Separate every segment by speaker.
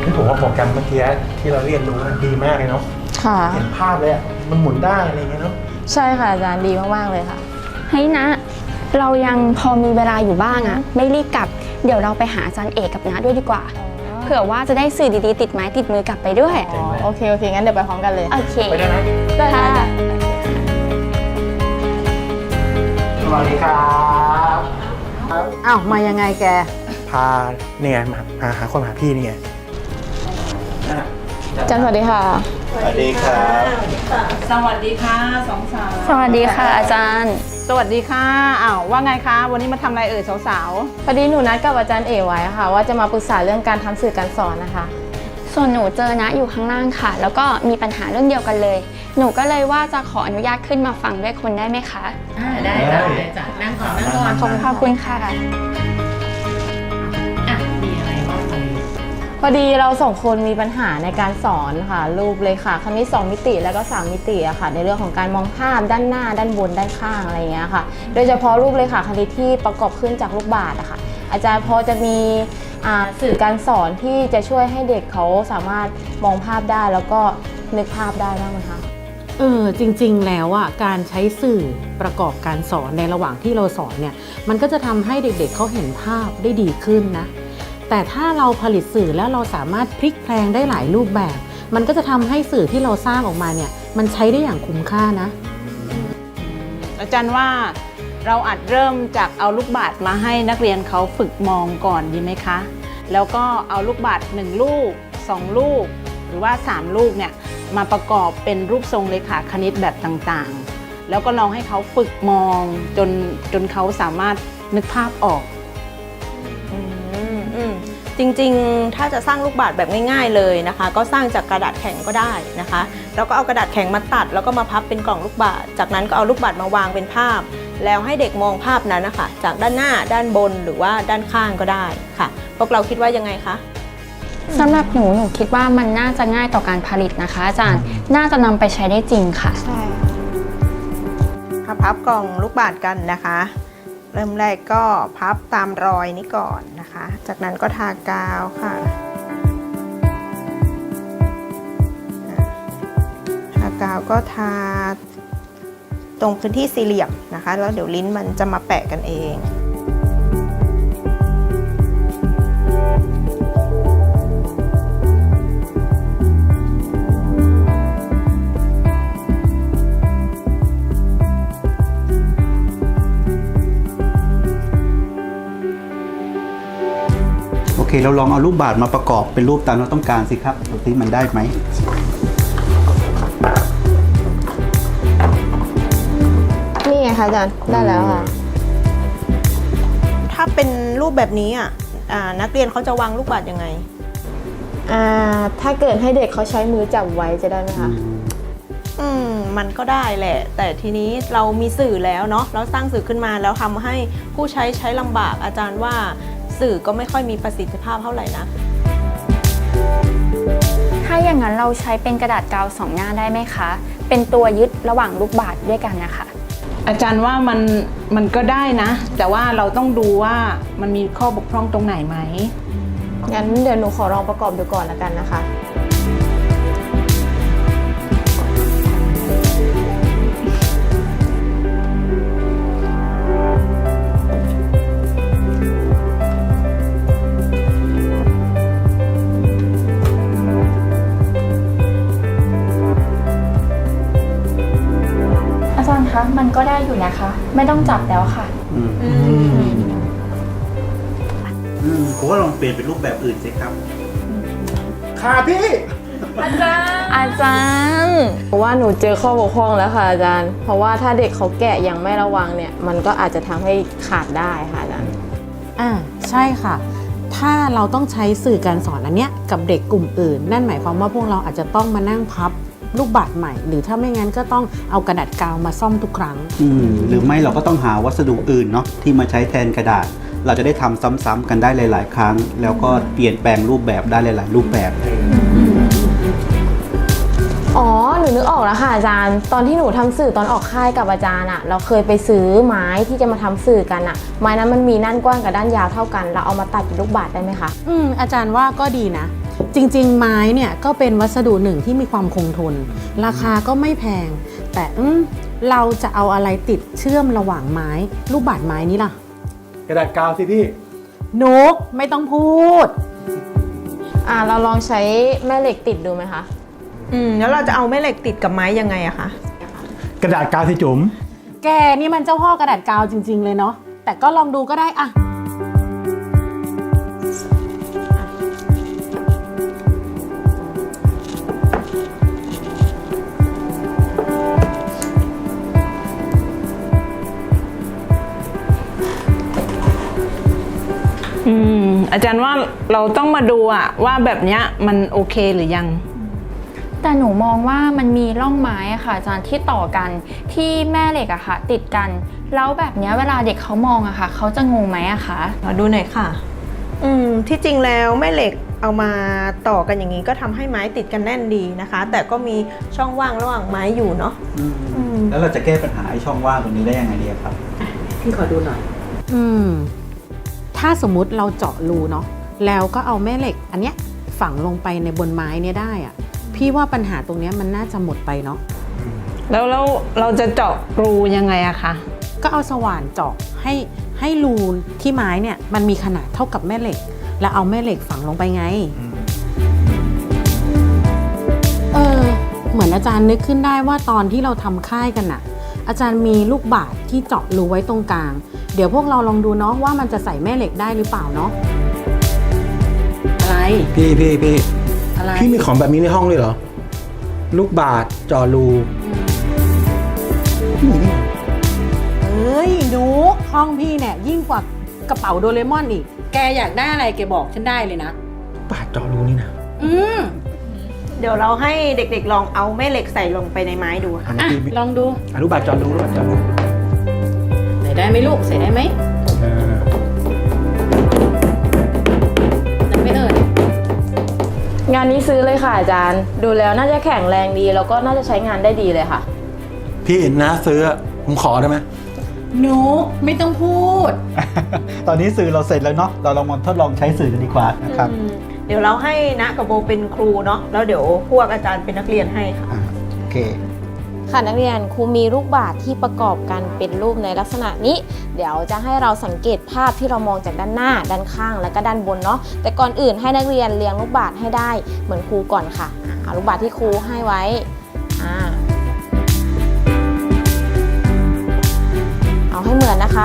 Speaker 1: ผมว่าโปรแกรมเมื่อกี้ที่เราเรียนรู้ดีมากเลยเนาะ
Speaker 2: ค่ะ
Speaker 1: เห็นภาพเลยมันหมุนได้อะไรเงี้ยเนาะ
Speaker 2: ใช่ค่ะอาจารย์ดีมากๆเลยค่ะ
Speaker 3: เฮ้ยนะเรายังพอมีเวลาอยู่บ้างอะไม่รีบกลับเดี๋ยวเราไปหาอาจารย์เอกกับน้าด้วยดีกว่าเผื่อว่าจะได้สื่อดีๆติดไม้ติดมือกลับไปด้วย
Speaker 2: โอเคงั้นเดี๋ยวไปพร้อมกันเลย
Speaker 3: โอเค
Speaker 1: ไปได้ไหม
Speaker 2: ได้ค่ะ
Speaker 1: สวัสดีครับ
Speaker 4: อ้าวมายังไงแก
Speaker 1: พาเนี่ยมาหาคนหาพี่นี่ไง
Speaker 2: อาจารย์สวัสดีค่ะ
Speaker 1: สวัสดีครับ
Speaker 5: สวัสดีค่ะสองสาว
Speaker 3: สวัสดีค่ะอาจารย์
Speaker 5: สวัสดีค่ะอ้าวว่าไงคะวันนี้มาทำอะไรเอ่ยสาว
Speaker 2: พอดีหนูนัดกับอาจารย์เอไว้ค่ะว่าจะมาปรึกษาเรื่องการทำสื่อการสอนนะคะ
Speaker 3: ส่วนหนูเจอนะอยู่ข้างล่างค่ะแล้วก็มีปัญหาเรื่องเดียวกันเลยหนูก็เลยว่าจะขออนุญาตขึ้นมาฟังด้วยคนได้ไหมคะ
Speaker 5: ได้จ้ะนั่งก่อน
Speaker 3: ขอบคุณค่ะ
Speaker 5: มีอะไรบ้าง
Speaker 2: พอดีเราสองคนมีปัญหาในการสอนค่ะรูปเลยค่ะคณิต2 มิติแล้วก็3 มิติอะค่ะในเรื่องของการมองภาพด้านหน้าด้านบนด้านข้างอะไรอย่างเงี้ยค่ะโดยเฉพาะรูปเลยค่ะคณิตที่ประกอบขึ้นจากลูกบาศก์อะค่ะอาจารย์พอจะมีสื่อการสอนที่จะช่วยให้เด็กเขาสามารถมองภาพได้แล้วก็นึกภาพได้บ้างไหมคะ
Speaker 4: จริงๆแล้วอ่ะการใช้สื่อประกอบการสอนในระหว่างที่เราสอนเนี่ยมันก็จะทำให้เด็กๆเขาเห็นภาพได้ดีขึ้นนะแต่ถ้าเราผลิตสื่อแล้วเราสามารถพลิกแพลงได้หลายรูปแบบมันก็จะทำให้สื่อที่เราสร้างออกมาเนี่ยมันใช้ได้อย่างคุ้มค่านะ
Speaker 5: อาจารย์ว่าเราอาจเริ่มจากเอาลูกบาศก์มาให้นักเรียนเขาฝึกมองก่อนดีไหมคะแล้วก็เอาลูกบาศก์1 ลูก2 ลูกหรือว่า3 ลูกเนี่ยมาประกอบเป็นรูปทรงเลขาคณิตแบบต่างๆแล้วก็ลองให้เขาฝึกมองจนเขาสามารถนึกภาพออก
Speaker 6: จริงๆถ้าจะสร้างลูกบาศก์แบบง่ายๆเลยนะคะก็สร้างจากกระดาษแข็งก็ได้นะคะแล้วก็เอากระดาษแข็งมาตัดแล้วก็มาพับเป็นกล่องลูกบาศก์จากนั้นก็เอาลูกบาศก์มาวางเป็นภาพแล้วให้เด็กมองภาพนั้นนะคะจากด้านหน้าด้านบนหรือว่าด้านข้างก็ได้ค่ะพวกเราคิดว่ายังไงคะ
Speaker 3: สำหรับหนูคิดว่ามันน่าจะง่ายต่อการผลิตนะคะอาจารย์น่าจะนำไปใช้ได้จริงค่ะ
Speaker 6: ใช่ค่ะพับกล่องลูกบาศก์กันนะคะเริ่มแรกก็พับตามรอยนี้ก่อนนะคะจากนั้นก็ทากาวค่ะทากาวก็ทาตรงพื้นที่สี่เหลี่ยมนะคะแล้วเดี๋ยวลิ้นมันจะมาแปะกันเอง
Speaker 7: โอเคเราลองเอารูปบาศก์มาประกอบเป็นรูปตามเราต้องการสิครับดูสิมันได้ไหม
Speaker 2: นี่ไงคะอาจารย์ได้แล้วค่ะ
Speaker 6: ถ้าเป็นรูปแบบนี้นักเรียนเขาจะวางลูกบาศก์ยังไง
Speaker 2: ถ้าเกิดให้เด็กเขาใช้มือจับไว้จะได้ไหมคะ
Speaker 6: มันก็ได้แหละแต่ทีนี้เรามีสื่อแล้วเนาะเราสร้างสื่อขึ้นมาแล้วทำให้ผู้ใช้ลำบากอาจารย์ว่าสื่อก็ไม่ค่อยมีประสิทธิภาพเท่าไหร่นะ
Speaker 3: ถ้าอย่างนั้นเราใช้เป็นกระดาษกาว2 หน้าได้ไหมคะเป็นตัวยึดระหว่างลูกบาศก์ด้วยกันนะคะ
Speaker 5: อาจารย์ว่ามันก็ได้นะแต่ว่าเราต้องดูว่ามันมีข้อบกพร่องตรงไหนไหม
Speaker 2: งั้นเดี๋ยวหนูขอลองประกอบดูก่อนละกันนะคะ
Speaker 3: คะมันก็ได้อยู่นะคะไม่ต้องจับแล้วค่ะ
Speaker 7: ผมว่าลองเปลี่ยนเป็นรูปแบบอื่นสิครับ
Speaker 1: ค่ะพี่
Speaker 2: อาจารย์เพราะว่าหนูเจอข้อบกพร่องแล้วค่ะอาจารย์เพราะว่าถ้าเด็กเขาแกะยังไม่ระวังเนี่ยมันก็อาจจะทำให้ขาดได้ค่ะอาจารย์
Speaker 4: ใช่ค่ะถ้าเราต้องใช้สื่อการสอนอันเนี้ยกับเด็กกลุ่มอื่นนั่นหมายความว่าพวกเราอาจจะต้องมานั่งพับลูกบาศก์ใหม่หรือถ้าไม่งั้นก็ต้องเอากระดาษกาวมาซ่อมทุกครั้ง
Speaker 7: หรือไม่เราก็ต้องหาวัสดุอื่นเนาะที่มาใช้แทนกระดาษเราจะได้ทำซ้ำๆกันได้หลายๆครั้งแล้วก็เปลี่ยนแปลงรูปแบบได้หลายๆรูปแบบ
Speaker 2: อ๋อหนูนึกออกแล้วค่ะอาจารย์ตอนที่หนูทำสื่อตอนออกค่ายกับอาจารย์อะเราเคยไปซื้อไม้ที่จะมาทำสื่อกันอะไม้นั้นมันมีด้านกว้างกับด้านยาวเท่ากันเราเอามาตัดเป็นลูกบาศก์ได้ไหมคะ
Speaker 4: อาจารย์ว่าก็ดีนะจริงๆไม้เนี่ยก็เป็นวัสดุหนึ่งที่มีความคงทน ราคาก็ไม่แพง แต่เราจะเอาอะไรติดเชื่อมระหว่างไม้ลูกบาศก์ไม้นี้ล่ะ
Speaker 1: กระดาษกาวสิพี่
Speaker 4: นุกไม่ต้องพูด
Speaker 2: เราลองใช้แม่เหล็กติดดูไหมคะ
Speaker 6: แล้วเราจะเอาแม่เหล็กติดกับไม้ยังไงอะคะ
Speaker 1: กระดาษกาวสิจุ๋ม
Speaker 4: แกนี่มันเจ้าพ่อกระดาษกาวจริงๆเลยเนาะแต่ก็ลองดูก็ได้อะ
Speaker 5: อาจารย์ว่าเราต้องมาดูอะว่าแบบเนี้ยมันโอเคหรือยัง
Speaker 3: แต่หนูมองว่ามันมีร่องไม้อะค่ะอาจารย์ที่ต่อกันที่แม่เหล็กอะค่ะติดกันแล้วแบบเนี้ยเวลาเด็กเขามองอะค่ะเขาจะงงไหมอะคะ
Speaker 6: มาดูหน่อยค่ะ ที่จริงแล้วแม่เหล็กเอามาต่อกันอย่างนี้ก็ทำให้ไม้ติดกันแน่นดีนะคะ แต่ก็มีช่องว่างระหว่างไม้อยู่เนาะ
Speaker 7: แล้วเราจะแก้ปัญหาไอ้ช่องว่างตรงนี้ได้ยังไงดีครับ
Speaker 4: พี่ขอดูหน่อยถ้าสมมุติเราเจาะรูเนาะแล้วก็เอาแม่เหล็กอันเนี้ยฝังลงไปในบนไม้เนี่ยได้อะพี่ว่าปัญหาตรงเนี้ยมันน่าจะหมดไปเนาะ
Speaker 5: แล้วเราจะเจาะรูยังไงอะคะ
Speaker 4: ก็เอาสว่านเจาะให้รูที่ไม้เนี่ยมันมีขนาดเท่ากับแม่เหล็ก แล้วเอาแม่เหล็กฝังลงไปไง เหมือนอาจารย์นึกขึ้นได้ว่าตอนที่เราทำค่ายกันน่ะ อาจารย์มีลูกบาศก์ที่เจาะรูไว้ตรงกลาง เดี๋ยวพวกเราลองดูเนาะว่ามันจะใส่แม่เหล็กได้หรือเปล่าเนาะอะไร
Speaker 1: พี่
Speaker 4: อะไร
Speaker 1: พี่มีของแบบนี้ในห้องเลยเหรอ ลูกบาศก์จอรู
Speaker 4: เอ้ยนุกห้องพี่เนี่ยยิ่งกว่ากระเป๋าโดเรมอนอีกแกอยากได้อะไรแกบอกฉันได้เลยนะ
Speaker 1: บาศก์จอรูนี่นะ
Speaker 6: เดี๋ยวเราให้เด็กๆลองเอาแม่เหล็กใส่ลงไปในไม้ดูค่ะ
Speaker 1: อันนี้พี่
Speaker 4: ลองดู
Speaker 1: ลูกบาศก์จอรูลูกบาศก์จอรู
Speaker 4: ใส่ได้ไหมลูกใส่ได้ไหมได้ไหมเอ่ย
Speaker 2: งานนี้ซื้อเลยค่ะอาจารย์ ดูแล้วน่าจะแข็งแรงดีแล้วก็น่าจะใช้งานได้ดีเลยค่ะ
Speaker 1: พี่นะซื้อผมขอได้ไหม
Speaker 4: นุกไม่ต้องพูด
Speaker 7: ตอนนี้สื่อเราเสร็จแล้วเนาะเราลองมาทดลองใช้สื่อกันดีกว่านะครับ
Speaker 6: เดี๋ยวเราให้ณกับโบเป็นครูเนาะแล้วเดี๋ยวพวกอาจารย์เป็นนักเรียนให้ค่ะ
Speaker 7: โอเค
Speaker 2: ค่ะนักเรียนครูมีลูกบาศก์ที่ประกอบกันเป็นรูปในลักษณะนี้ เดี๋ยวจะให้เราสังเกตภาพที่เรามองจากด้านหน้าด้านข้างและก็ด้านบนเนาะแต่ก่อนอื่นให้นักเรียนเรียงลูกบาศก์ให้ได้เหมือนครูก่อนค่ะเอาลูกบาศก์ที่ครูให้ไว้เอาให้เหมือนนะคะ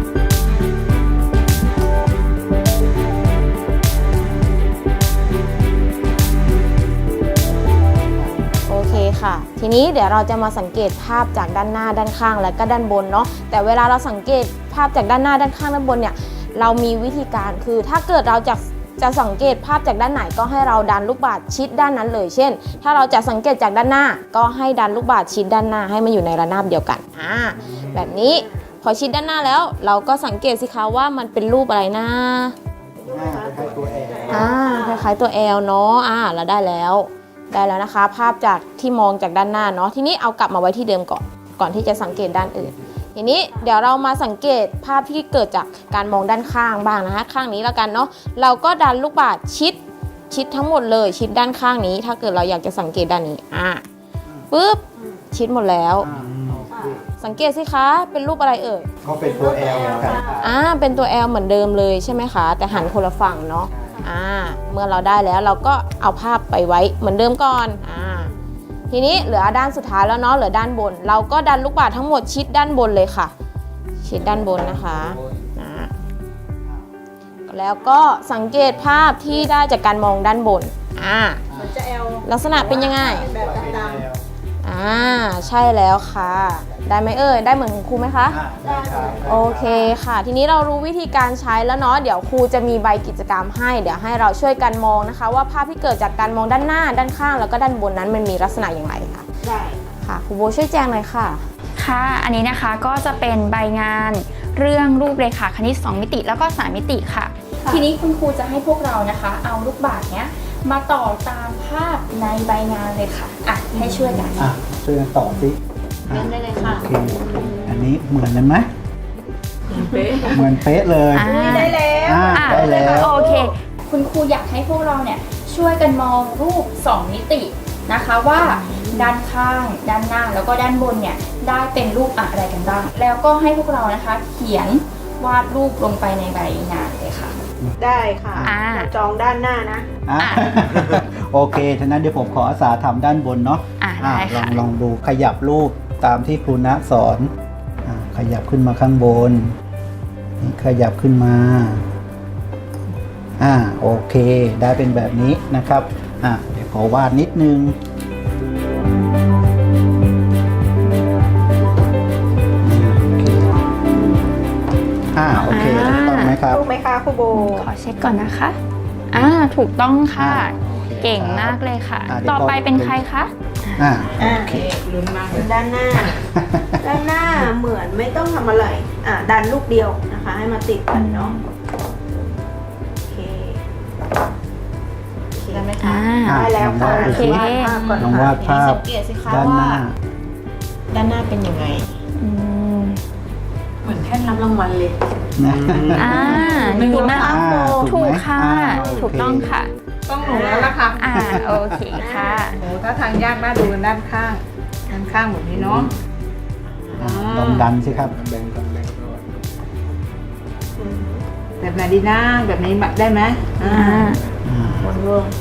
Speaker 2: โอเคค่ะทีนี้เดี๋ยวเราจะมาสังเกตภาพจากด้านหน้าด้านข้างและก็ด้านบนเนาะแต่เวลาเราสังเกตภาพจากด้านหน้าด้านข้างด้านบนเนี่ยเรามีวิธีการคือถ้าเกิดเราจะสังเกตภาพจากด้านไหนก็ให้เราดันลูกบาศก์ชิดด้านนั้นเลยเช่นถ้าเราจะสังเกตจากด้านหน้าก็ให้ดันลูกบาศก์ชิดด้านหน้าให้มันอยู่ในระนาบเดียวกันแบบนี้พอชิดด้านหน้าแล้วเราก็สังเกตสิคะว่ามันเป็นรูปอะไรนะคล้ายๆตัว L เนาะเราได้แล้วนะคะภาพจากที่มองจากด้านหน้าเนาะทีนี้เอากลับมาไว้ที่เดิมก่อนที่จะสังเกตด้านอื่นทีนี้เดี๋ยวเรามาสังเกตภาพที่เกิดจากการมองด้านข้างบ้างนะคะข้างนี้แล้วกันเนาะเราก็ดันลูกบาศก์ชิดทั้งหมดเลยชิดด้านข้างนี้ถ้าเกิดเราอยากจะสังเกตด้านนี้ปึ๊บชิดหมดแล้วสังเกตสิคะเป็นรูปอะไรเอ่ย
Speaker 7: ก็เป็นตัว L ครับ
Speaker 2: เป็นตัว L เหมือนเดิมเลยใช่ไหมคะแต่หันคนละฝั่งเนาะเมื่อเราได้แล้วเราก็เอาภาพไปไว้เหมือนเดิมก่อนทีนี้เหลือด้านสุดท้ายแล้วเนาะเหลือด้านบนเราก็ดันลูกบาศก์ทั้งหมดชิดด้านบนเลยค่ะชิดด้านบนนะคะแล้วก็สังเกตภาพที่ได้จากการมองด้านบนลักษณะเป็นยังไงใช่แล้วค่ะได้ไหมเอ่ยได้เหมือนของครูไหมคะได้โอเคค่ะทีนี้เรารู้วิธีการใช้แล้วเนาะเดี๋ยวครูจะมีใบกิจกรรมให้เดี๋ยวให้เราช่วยกันมองนะคะว่าภาพที่เกิดจากการมองด้านหน้าด้านข้างแล้วก็ด้านบนนั้นมันมีลักษณะอย่างไรค่ะได้ค่ะครูโบช่วยแจ้งหน่อยค่ะ
Speaker 3: ค่ะอันนี้นะคะก็จะเป็นใบงานเรื่องรูปเรขาคณิต2มิติแล้วก็3มิติค่ะทีนี้คุณครูจะให้พวกเรานะคะเอาลูกบาศก์เนี้ยมาต่อตามภาพในใบงานเลยค่ะให้ช่วยกัน
Speaker 7: ช่วยกันต่อสิ
Speaker 2: เล่นได้เลยค่ะ
Speaker 7: โอเคอันนี้เหมือนกันไหมเหมือนเป๊ะเลย
Speaker 6: ได้แล้ว
Speaker 7: ได้แล้ว
Speaker 3: โอเคคุณครูอยากให้พวกเราเนี่ยช่วยกันมองรูป 2 มิตินะคะว่าด้านข้างด้านหน้าแล้วก็ด้านบนเนี่ยได้เป็นรูปอะไรกันบ้าง แล้วก็ให้พวกเรานะคะเขียนวาดรูปลงไปในใบงานเลยค่ะ
Speaker 6: ได้ค่ะ
Speaker 3: อ่า
Speaker 6: จองด้านหน้านะ
Speaker 7: อ่ะ โอเคฉะนั้นเดี๋ยวผมขออาสาทำด้านบนเนาะ
Speaker 3: ได้
Speaker 7: ลอ
Speaker 3: ค่ะ
Speaker 7: งดูขยับรูปตามที่ครูณะสอนขยับขึ้นมาข้างบนนี่ขยับขึ้นมาโอเค ได้เป็นแบบนี้นะครับเดี๋ยวขอวาดนิดนึงโอเคถูกต้องไหมครับ
Speaker 6: ถูกไหมคะครูโบ
Speaker 3: ขอเช็คก่อนนะคะถูกต้องค่ะ เก่งมากเลยค่ะ
Speaker 7: เดี๋ยว
Speaker 3: ต่อไปเป็นใครคะ
Speaker 7: โอเค
Speaker 6: ด้านหน้า ด้านหน้าเหมือนไม่ต้องทำอะไรดันลูกเดียวนะคะ ให้มาติดกันเนาะโอเคได้ไหมคะ ได้แล้วค่ะ
Speaker 7: โอเค
Speaker 6: วาดภาพก่อน
Speaker 7: ลองวาดภาพ
Speaker 6: สังเกตสิคะ
Speaker 7: ด้านห
Speaker 6: ว่า
Speaker 7: น้า
Speaker 6: ด้านหน้าเป็นยังไง
Speaker 4: เหมือนแท่นรับรางวัลเลย
Speaker 3: ดีมาก
Speaker 7: ถูกไหม
Speaker 3: ถูกค่ะ
Speaker 7: โอเค
Speaker 3: ถูกต้องค่ะ
Speaker 5: ต้องหนูแล้วล่ะค่ะ
Speaker 3: โอเคค่ะ
Speaker 5: โหถ้าทางยากน่าดูด้านข้าง ด้านข้างแบบนี้เนาะ
Speaker 7: ลองดันสิครับ
Speaker 5: แบบไหนดีนะแบบนี้ได้ไหมวนรวม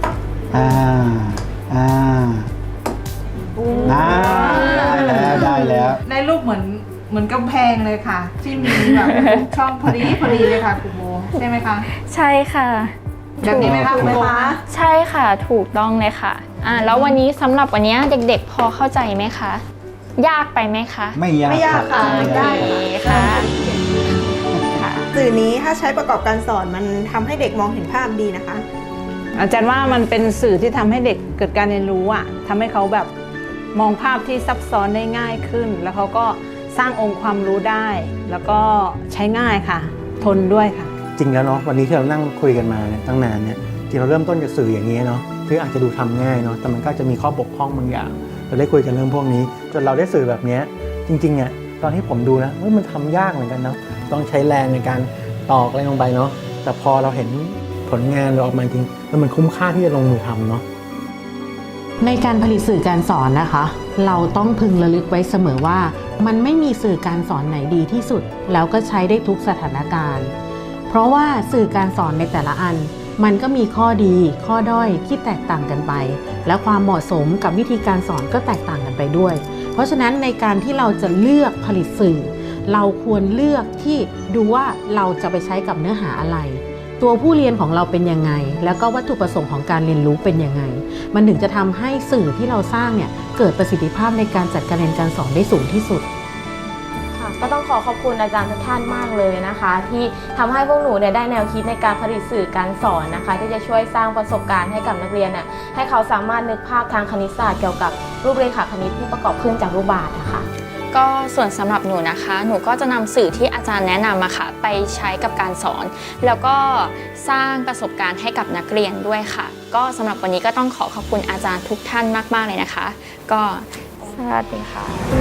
Speaker 7: ได้แล้ว
Speaker 5: ได้รูปเหมือนกำแพงเลยค่ะ ที่มีแบบช่องพอดีเลยค่ะคุณโบใช่ไหมคะ
Speaker 3: ใช่ค่ะ
Speaker 5: แบบนี้ไหมคะ
Speaker 7: ถู
Speaker 5: คุณ
Speaker 7: ก
Speaker 5: โบ
Speaker 3: ใช่ค่ะถูกต้องเลยค่ะแล้ววันนี้สำหรับวันนี้เด็กๆพอเข้าใจไหมคะ ยากไปไหมคะ
Speaker 7: ไม่ยาก
Speaker 6: ไม่ยากค่ะ
Speaker 7: ได้
Speaker 3: โอเคค่ะ
Speaker 6: สื่อนี้ถ้าใช้ประกอบการสอนมันทำให้เด็กมองเห็นภาพดีนะคะ
Speaker 5: อาจารย์ว่ามันเป็นสื่อที่ทำให้เด็กเกิดการเรียนรู้ทำให้เขาแบบมองภาพที่ซับซ้อนได้ง่ายขึ้น แล้วเขาก็สร้างองค์ความรู้ได้ แล้วก็ใช้ง่ายค่ะ ทนด้วยค่ะ
Speaker 8: จริงแล้วเนาะวันนี้ที่เรานั่งคุยกันมาเนี่ยตั้งนานเนี่ยจริงเราเริ่มต้นจากสื่ออย่างนี้เนาะที่อาจจะดูทำง่ายเนาะแต่มันก็จะมีข้อบกพร่องบางอย่างเราได้คุยกันเรื่องพวกนี้จนเราได้สื่อแบบนี้จริงๆเนี่ยตอนที่ผมดูนะมันทำยากเหมือนกันเนาะต้องใช้แรงในการตอกอะไรลงไปเนาะแต่พอเราเห็นผลงานเราออกมาจริงแล้วมันคุ้มค่าที่จะลงมือทำเนาะ
Speaker 4: ในการผลิตสื่อการสอนนะคะ เราต้องพึงระลึกไว้เสมอว่ามันไม่มีสื่อการสอนไหนดีที่สุดแล้วก็ใช้ได้ทุกสถานการณ์เพราะว่าสื่อการสอนในแต่ละอันมันก็มีข้อดีข้อด้อยที่แตกต่างกันไปและความเหมาะสมกับวิธีการสอนก็แตกต่างกันไปด้วย เพราะฉะนั้นในการที่เราจะเลือกผลิตสื่อเราควรเลือกที่ดูว่าเราจะไปใช้กับเนื้อหาอะไรตัวผู้เรียนของเราเป็นยังไงแล้วก็วัตถุประสงค์ของการเรียนรู้เป็นยังไงมันถึงจะทำให้สื่อที่เราสร้างเนี่ยเกิดประสิทธิภาพในการจัดการเรียนการสอนได้สูงที่สุด
Speaker 2: ก็ต้องขอบคุณอาจารย์ทุกท่านมากเลยนะคะ ที่ทำให้พวกหนูเนี่ยได้แนวคิดในการผลิตสื่อการสอนนะคะ ที่จะช่วยสร้างประสบการณ์ให้กับนักเรียนเนี่ยให้เขาสามารถนึกภาพทางคณิตศาสตร์เกี่ยวกับรูปเรขาคณิตที่ประกอบขึ้นจากรูปบาศก์นะคะ
Speaker 3: ก็ส่วนสำหรับหนูนะคะ หนูก็จะนำสื่อที่อาจารย์แนะนำมาค่ะไปใช้กับการสอน แล้วก็สร้างประสบการณ์ให้กับนักเรียนด้วยค่ะ ก็สำหรับวันนี้ก็ต้องขอบคุณอาจารย์ทุกท่านมากๆเลยนะคะ ก็สวัสดีค่ะ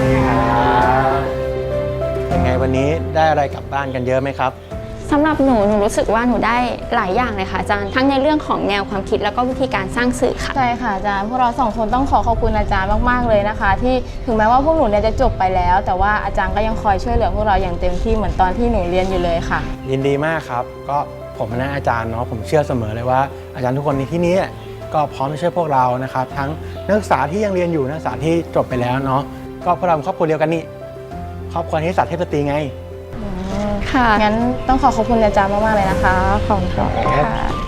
Speaker 8: ยังไงวันนี้ได้อะไรกลับบ้านกันเยอะไหมครับ
Speaker 3: สำหรับหนูรู้สึกว่าหนูได้หลายอย่างเลยค่ะอาจารย์ทั้งในเรื่องของแนวความคิดแล้วก็วิธีการสร้างสื่อค่ะ
Speaker 2: ใช่ค่ะอาจารย์พวกเราสองคนต้องขอบคุณอาจารย์มากๆเลยนะคะ ที่ถึงแม้ว่าพวกหนูเนี่ยจะจบไปแล้ว แต่ว่าอาจารย์ก็ยังคอยช่วยเหลือพวกเราอย่างเต็มที่เหมือนตอนที่หนูเรียนอยู่เลยค่ะ
Speaker 8: ยินดีมากครับก็ผมนะอาจารย์เนาะผมเชื่อเสมอเลยว่าอาจารย์ทุกคนในที่นี้ก็พร้อมจะช่วยพวกเรานะครับทั้งนักศึกษาที่ยังเรียนอยู่นักศึกษาที่จบไปแล้วเนาะก็พวกเราเป็นครอบครัวเดียวกันนี่ครอบครัวนิสสัตเทพสตรีไง
Speaker 2: ค่ะงั้นต้องขอบคุณอาจารย์มากๆเลยนะคะขอบคุณค่ะ